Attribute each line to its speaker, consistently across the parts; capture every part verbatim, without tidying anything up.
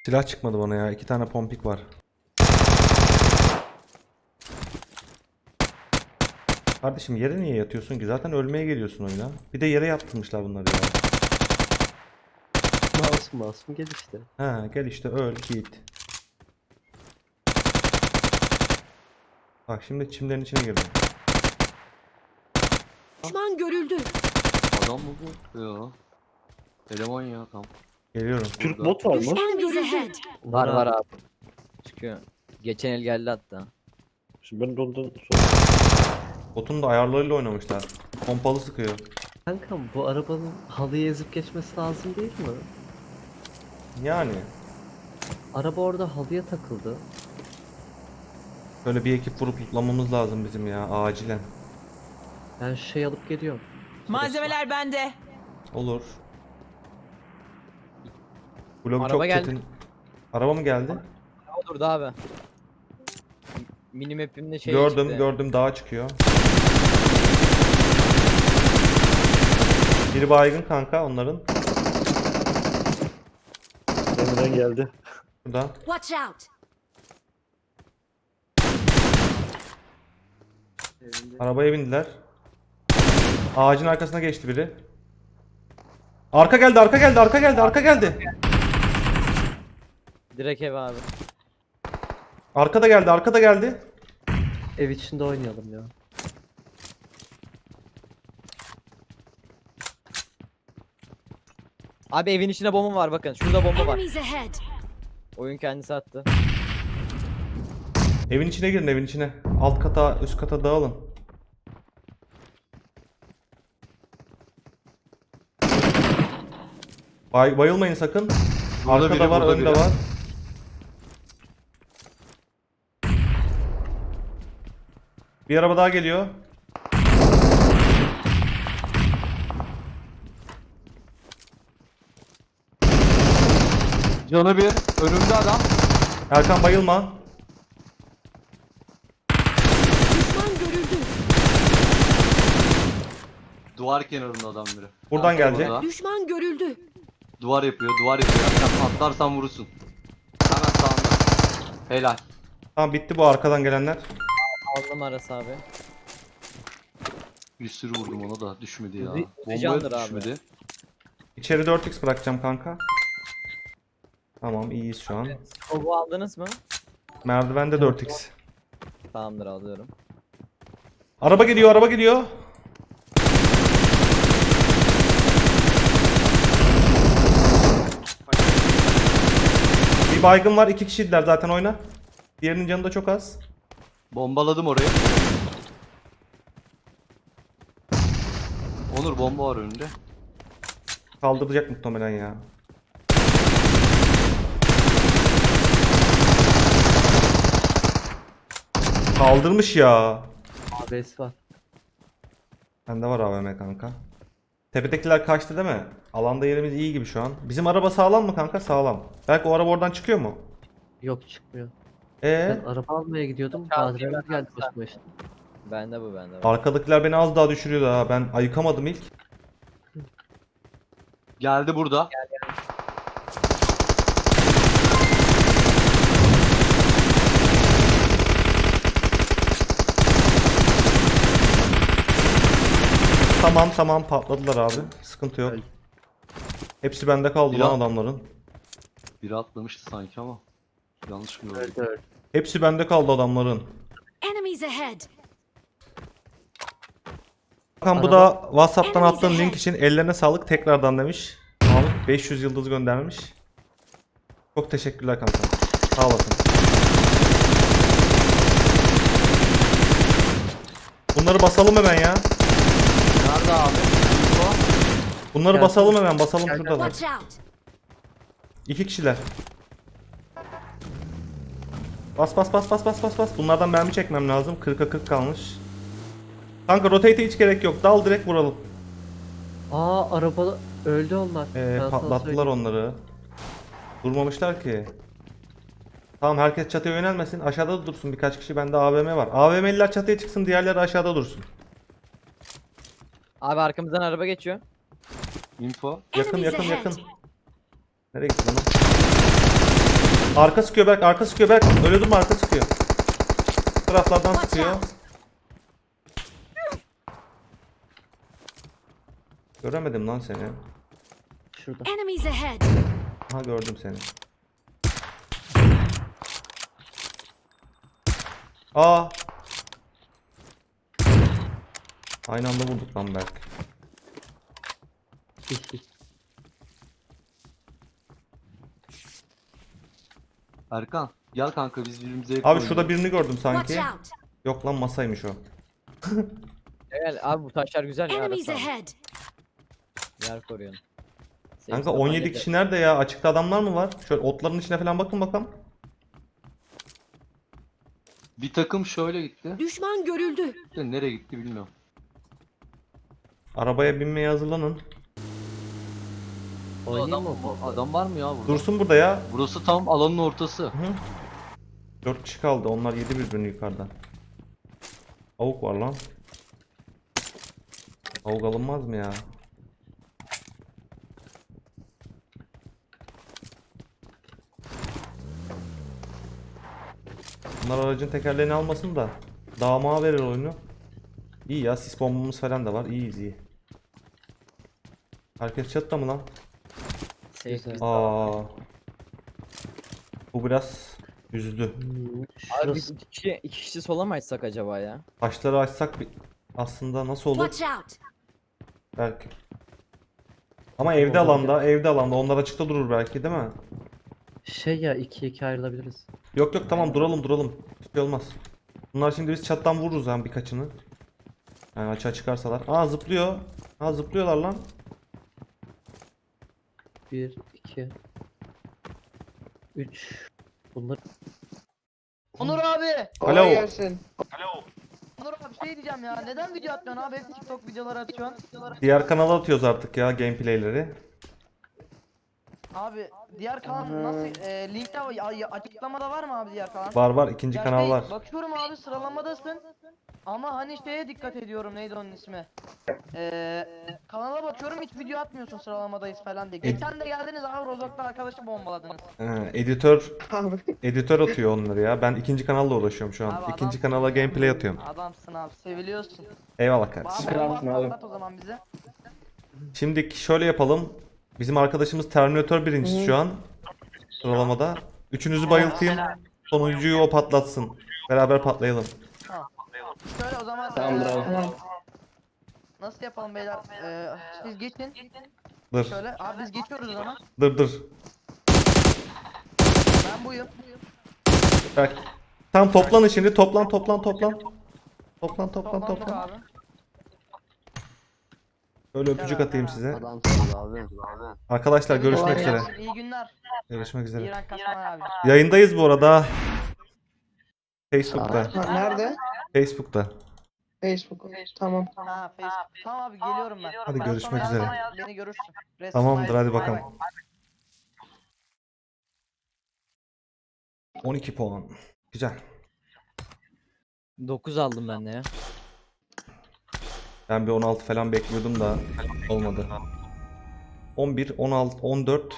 Speaker 1: Silah çıkmadı bana ya. İki tane pompik var. Kardeşim yere niye yatıyorsun ki? Zaten ölmeye geliyorsun oyuna. Bir de yere yattırmışlar bunları ya.
Speaker 2: Masum masum gel işte.
Speaker 1: Ha gel işte öl git. Bak şimdi çimlerin içine girdim.
Speaker 3: Düşman görüldü.
Speaker 4: Adam mı bu? Ya. Eleman ya tam.
Speaker 1: Geliyorum.
Speaker 2: Türk bot var mı?
Speaker 3: Düşman görüldü.
Speaker 5: Var var abi. Çıkıyor. Geçen el geldi hatta.
Speaker 2: Şimdi ben de ondan sonra.
Speaker 1: Botun da ayarlarıyla oynamışlar. Pompalı sıkıyor.
Speaker 2: Kankam bu arabanın halıyı ezip geçmesi lazım değil mi?
Speaker 1: Yani.
Speaker 2: Araba orada halıya takıldı.
Speaker 1: Böyle bir ekip vurup lootlamamız lazım bizim ya acilen.
Speaker 2: Ben şey alıp geliyorum.
Speaker 3: Malzemeler bende.
Speaker 1: Olur. Blok
Speaker 5: Araba
Speaker 1: çok
Speaker 5: geldi.
Speaker 1: çetin. Araba mı geldi?
Speaker 5: O durdu abi. Minimap'imde şey
Speaker 1: gördüm
Speaker 5: çıktı.
Speaker 1: gördüm dağa çıkıyor. Biri baygın kanka onların.
Speaker 2: Emre'den geldi.
Speaker 1: Burada.
Speaker 3: Watch out.
Speaker 1: Arabaya bindiler. Ağacın arkasına geçti biri. Arka geldi, arka geldi, arka geldi, arka geldi.
Speaker 5: Direkt ev abi.
Speaker 1: Arka da geldi, arka da geldi.
Speaker 2: Ev içinde oynayalım ya.
Speaker 5: Abi evin içinde bomba var bakın. Şurada bomba var.
Speaker 3: Enemies ahead.
Speaker 5: Oyun kendisi attı.
Speaker 1: Evin içine girin, evin içine. Alt kata, üst kata dağılın. Bay, bayılmayın sakın.
Speaker 4: Burada
Speaker 1: Arkada
Speaker 4: biri,
Speaker 1: var,
Speaker 4: burada
Speaker 1: önde
Speaker 4: biri.
Speaker 1: var. Bir araba daha geliyor.
Speaker 4: Canı bir. Önümde adam.
Speaker 1: Erkan bayılma.
Speaker 3: Düşman görüldü.
Speaker 4: Duvar kenarında adam biri.
Speaker 1: Buradan
Speaker 4: Arkada
Speaker 1: gelecek.
Speaker 4: burada.
Speaker 3: Düşman görüldü.
Speaker 4: Duvar yapıyor, duvar yapıyor. Sen atlarsan vurursun. Hemen sağında. Helal.
Speaker 1: Tamam bitti bu arkadan gelenler.
Speaker 5: Aldım arası abi.
Speaker 4: Bir sürü vurdum ona da düşmedi ya.
Speaker 5: Uzi- Uzi
Speaker 4: Bombaya
Speaker 5: candır
Speaker 4: da
Speaker 5: abi.
Speaker 4: düşmedi.
Speaker 1: İçeri dört x bırakacağım kanka. Tamam iyiyiz şu an.
Speaker 5: Kovu aldınız mı?
Speaker 1: Merdivende dört x.
Speaker 5: Tamamdır alıyorum.
Speaker 1: Araba geliyor, araba geliyor. Bir baygın var, iki kişiydiler zaten oyna. Diğerinin canı da çok az.
Speaker 4: Bombaladım orayı. Onur bomba var önünde.
Speaker 1: Kaldıracak muhtemelen ya. Kaldırmış ya.
Speaker 2: A B S var.
Speaker 1: Bende var A V M kanka. Tepedekiler kaçtı değil mi? Alanda yerimiz iyi gibi şu an. Bizim araba sağlam mı kanka? Sağlam. Belki o araba oradan çıkıyor mu?
Speaker 2: Yok çıkmıyor.
Speaker 1: Ee,
Speaker 2: Ben araba almaya gidiyordum.
Speaker 5: Çarpıyı
Speaker 2: Badireler
Speaker 5: ben
Speaker 2: geldi başıma işte.
Speaker 5: Bende bu bende. bu.
Speaker 1: arkadakiler beni az daha düşürüyordu ha. Ben ayıkamadım ilk.
Speaker 4: Geldi burada.
Speaker 1: Tamam tamam patladılar abi. Sıkıntı yok.
Speaker 2: Öyle.
Speaker 1: Hepsi bende kaldı
Speaker 4: Ya.
Speaker 1: lan adamların.
Speaker 4: Biri atlamıştı sanki ama. Yanlış mı gördüm?
Speaker 2: Öldü öldü.
Speaker 1: Hepsi bende kaldı adamların.
Speaker 3: Enemies ahead.
Speaker 1: Hakan bu
Speaker 2: Araba-
Speaker 1: da WhatsApp'tan
Speaker 3: Enemies
Speaker 1: attığın link
Speaker 3: ahead.
Speaker 1: için ellerine sağlık tekrardan demiş. Mahmut beş yüz yıldız göndermiş. Çok teşekkürler kanka. Sağ olasın. Bunları basalım hemen ya.
Speaker 4: Nerede abi? Info.
Speaker 1: Bunları
Speaker 2: Gel.
Speaker 1: basalım hemen. Basalım
Speaker 2: Gel, gel.
Speaker 1: şuradalar.
Speaker 3: Watch out.
Speaker 1: İki kişiler. Bas bas bas bas bas bas bas. Bunlardan mermi çekmem lazım. kırka kırk kalmış. Kanka rotate'e hiç gerek yok. Dal direkt vuralım.
Speaker 2: Aa araba öldü onlar.
Speaker 1: Ee,
Speaker 2: Ben sana
Speaker 1: patlattılar
Speaker 2: söyleyeyim.
Speaker 1: onları. Durmamışlar ki. Tamam herkes çatıya yönelmesin. Aşağıda da dursun birkaç kişi. Bende A V M var. A V M'liler çatıya çıksın. Diğerleri aşağıda dursun.
Speaker 5: Abi arkamızdan araba geçiyor.
Speaker 4: Info.
Speaker 1: Yakın
Speaker 3: Enemies
Speaker 1: yakın
Speaker 3: ahead.
Speaker 1: yakın. Nereye gitti lan? o? Arka sıkıyor Berk, arka sıkıyor Berk. Öyle durma, arka sıkıyor. Bu taraflardan
Speaker 3: Watch
Speaker 1: sıkıyor.
Speaker 3: out.
Speaker 1: Göremedim lan seni.
Speaker 2: Şurada.
Speaker 3: Enemies ahead.
Speaker 1: Ha gördüm seni. Aa. Aynı anda vurduk lan Berk.
Speaker 4: Erkan gel kanka biz birbirimize yakın
Speaker 1: Abi
Speaker 4: oynayalım.
Speaker 1: şurada birini gördüm
Speaker 3: Watch
Speaker 1: sanki.
Speaker 3: out.
Speaker 1: Yok lan, masaymış o.
Speaker 5: Gel abi bu taşlar güzel ya.
Speaker 3: Enemies
Speaker 5: arası al.
Speaker 3: ahead.
Speaker 5: Yer koruyorsun.
Speaker 1: Kanka
Speaker 5: Safe
Speaker 1: on yedi
Speaker 5: spot'tan
Speaker 1: kişi nerede ya? Açıkta adamlar mı var? Şöyle otların içine falan bakın bakalım.
Speaker 4: Bir takım şöyle gitti.
Speaker 3: Düşman görüldü.
Speaker 4: De nereye gitti bilmiyorum.
Speaker 1: Arabaya binmeye hazırlanın.
Speaker 2: Oynayayım
Speaker 4: Adam,
Speaker 2: mı bu?
Speaker 4: adam var mı ya burada?
Speaker 1: Dursun burada ya.
Speaker 4: Burası tam alanın ortası.
Speaker 1: Hı. dört kişi kaldı. Onlar yedi birbirini yukarıda. Avuk var lan. Avuk alınmaz mı ya? Bunlar aracın tekerleğini almasın da damağa verir oyunu. İyi ya, sis bombamız falan da var. İyiyiz iyi. Herkes çatıda mı lan?
Speaker 5: Safe
Speaker 2: Güzel.
Speaker 5: biz-
Speaker 1: Aa. Bu biraz üzdü.
Speaker 2: Hmm,
Speaker 5: Abi biz
Speaker 2: Şurası.
Speaker 5: iki kişi, iki kişi sola mı açsak acaba ya?
Speaker 1: Taşları açsak bir... aslında nasıl olur?
Speaker 3: Watch out.
Speaker 1: Belki. Ama evde alanda, evde alanda. Onlar açıkta durur belki, değil mi?
Speaker 2: Şey ya, ikiye iki ayrılabiliriz.
Speaker 1: Yok yok, tamam, duralım duralım. Hiçbir şey olmaz. Bunlar şimdi biz çattan vururuz yani birkaçını. Yani açığa çıkarsalar. Aa, zıplıyor. Aa, zıplıyorlar lan.
Speaker 2: Bir, iki, üç. Bunlar
Speaker 6: Onur abi.
Speaker 1: Alo.
Speaker 6: Onur abi şey diyeceğim ya. Neden video atmıyorsun abi? Hep TikTok videoları atıyorsun.
Speaker 1: Diğer kanala atıyoruz artık ya gameplayleri.
Speaker 6: Abi diğer kanal nasıl? E, linkte ay- açıklamada var mı abi diğer kanal?
Speaker 1: Var var, ikinci
Speaker 6: Ya
Speaker 1: kanal
Speaker 6: şey,
Speaker 1: var.
Speaker 6: Bakıyorum abi sıralamadasın. Ama hani şeye dikkat ediyorum, neydi onun ismi? Ee, kanala bakıyorum hiç video atmıyorsun, sıralamadayız falan diye. Geçen de geldiniz abi Rozok'ta arkadaşı bombaladınız.
Speaker 1: Ee, editör editör atıyor onları ya. Ben ikinci kanalla uğraşıyorum şu an.
Speaker 6: Abi
Speaker 1: İkinci
Speaker 6: adamsın
Speaker 1: kanala
Speaker 6: ya.
Speaker 1: gameplay atıyorum.
Speaker 6: Adamsın abi, seviliyorsun.
Speaker 1: Eyvallah kardeşim.
Speaker 6: Abi bomba patlat o zaman bize.
Speaker 1: Şimdi şöyle yapalım. Bizim arkadaşımız Terminator birincisi şu an sıralamada. Üçünüzü bayıltayım. Sonuncuyu o patlatsın. Beraber patlayalım.
Speaker 6: Şöyle o zaman eee, nasıl yapalım beyler? Eee, siz geçin.
Speaker 1: Dur.
Speaker 6: Şöyle abi biz geçiyoruz o zaman.
Speaker 1: Dur dur.
Speaker 6: Ben buyum.
Speaker 1: Bak. Tam toplanın şimdi. Toplan toplan toplan. Toplan toplan
Speaker 6: Toplandık
Speaker 1: toplan.
Speaker 6: abi.
Speaker 1: Böyle öpücük atayım size.
Speaker 4: Adamsınız abi.
Speaker 1: Arkadaşlar görüşmek
Speaker 6: Kolay
Speaker 1: üzere.
Speaker 6: gelsin, İyi günler.
Speaker 1: Görüşmek üzere.
Speaker 6: İran Kasman abi.
Speaker 1: Yayındayız bu arada. Facebook'ta.
Speaker 7: Nerede?
Speaker 1: Facebook'ta.
Speaker 7: Facebook. Tamam.
Speaker 6: Ha Facebook. Tamam abi geliyorum ben.
Speaker 1: Hadi
Speaker 6: Ben
Speaker 1: görüşmek
Speaker 6: sana
Speaker 1: üzere.
Speaker 6: yazdım, Beni görürsün. Rest
Speaker 1: Tamamdır, hadi
Speaker 6: Bay bay.
Speaker 1: bakalım. on iki puan. Güzel.
Speaker 5: dokuz aldım ben de ya.
Speaker 1: Ben bir on altı falan bekliyordum da olmadı. on bir, on altı, on dört.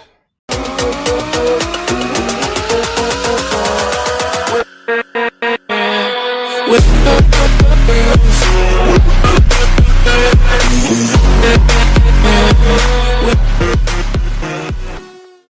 Speaker 8: With